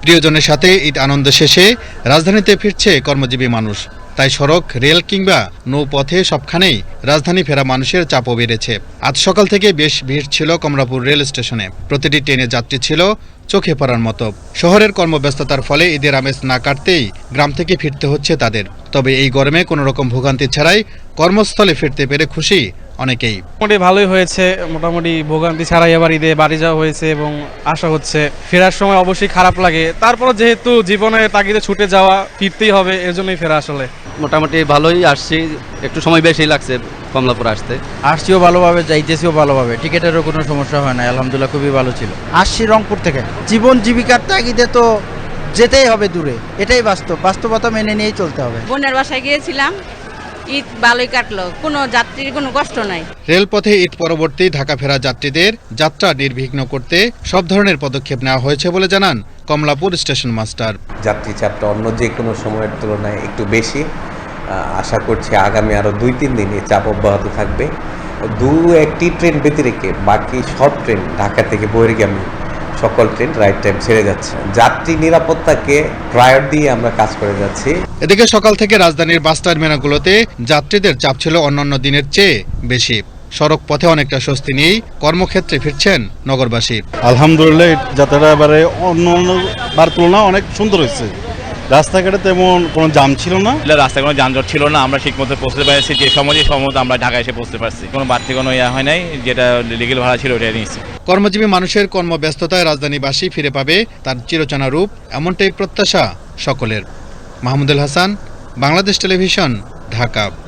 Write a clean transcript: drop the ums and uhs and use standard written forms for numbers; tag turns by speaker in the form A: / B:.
A: প্রিয়জনের সাথে ঈদ আনন্দ শেষে রাজধানীতে ফিরছে কর্মজীবী মানুষ। তাই সড়ক, রেল কিংবা নৌপথে সবখানেই রাজধানী ফেরা মানুষের চাপও বেড়েছে। আজ সকাল থেকে বেশ ভিড় ছিল কমলাপুর রেল স্টেশনে। প্রতিটি ট্রেনের যাত্রী ছিল চোখে পড়ার মতো। শহরের কর্মব্যস্ততার ফলে ঈদের আমেজ না কাটতেই গ্রাম থেকে ফিরতে হচ্ছে তাদের। তবে এই গরমে কোনো রকম ভোগান্তি ছাড়াই কর্মস্থলে ফিরতে পেরে খুশি অনেকেই।
B: মোটামুটি ভালোই হয়েছে, মোটামুটি ভোগান্তি ছাড়াই এবার ঈদে বাড়ি যাওয়া হয়েছে এবং আশা হচ্ছে। ফেরার সময় অবশ্যই খারাপ লাগে, তারপর যেহেতু জীবনে তাগিদে ছুটে যাওয়া, ফিরতেই হবে, এর জন্যই ফেরা। আসলে
C: মোটামুটি ভালোই আসছি, একটু সময় বেশি লাগছে কমলাপুর আসতে।
D: আসছিও ভালোভাবে, যাইতেছিও ভালোভাবে, টিকিটেরও কোনো সমস্যা হয় না, আলহামদুলিল্লাহ খুবই ভালো ছিল। আসছি রংপুর থেকে, জীবন জীবিকার তাগিদে তো যেতেই হবে দূরে, এটাই বাস্তবতা মেনে নিয়েই চলতে হবে।
E: বোনের বাসায় গিয়েছিলাম, ঈদ ভালোই কাটলো, কোনো যাত্রীর কোনো কষ্ট নাই।
A: রেলপথে ঈদ পরবর্তী ঢাকা ফেরা যাত্রীদের যাত্রা নির্বিঘ্ন করতে সব ধরনের পদক্ষেপ নেওয়া হয়েছে বলে জানান কমলাপুর স্টেশন মাস্টার।
F: যাত্রী চাপটা অন্য যে কোনো সময়ের তুলনায় একটু বেশি। আশা করছি আগামী আরও 2-3 দিন এই চাপ অব্যাহত থাকবে। 2-1টি ট্রেন ব্যতিরেকে বাকি সব ট্রেন ঢাকা থেকে বহির্গামী সকল ট্রেন রাইট টাইম ছেড়ে যাচ্ছে। যাত্রী নিরাপত্তাকে প্রায়োর দিয়ে আমরা কাজ করে যাচ্ছি।
A: এদিকে সকাল থেকে রাজধানীর বাস টার্মিনালগুলোতে যাত্রীদের চাপ ছিল অন্যান্য দিনের চেয়ে বেশি। সড়ক পথে অনেকটা স্বস্তি নিয়েই কর্মক্ষেত্রে ফিরছেন নগরবাসী।
G: আলহামদুলিল্লাহ, যাত্রাটা এবারে অন্য বার তুলনায় অনেক সুন্দর হয়েছে। রাস্তাঘাটে তেমন কোনো জাম ছিল না,
H: রাস্তায় কোনো যানজট ছিল না। আমরা ঠিকমতো পৌঁছতে পারছি, যে সময় আমরা ঢাকায় এসে পৌঁছতে পারছি। কোনো বাড়তি কোনো হয় নাই, যেটা লিগেল ভাড়া ছিল ওটা নিয়েছি।
A: কর্মজীবী মানুষের কর্মব্যস্ততায় রাজধানীবাসী ফিরে পাবে তার চিরচেনা রূপ, এমনটাই প্রত্যাশা সকলের। মাহমুদুল হাসান, বাংলাদেশ টেলিভিশন, ঢাকা।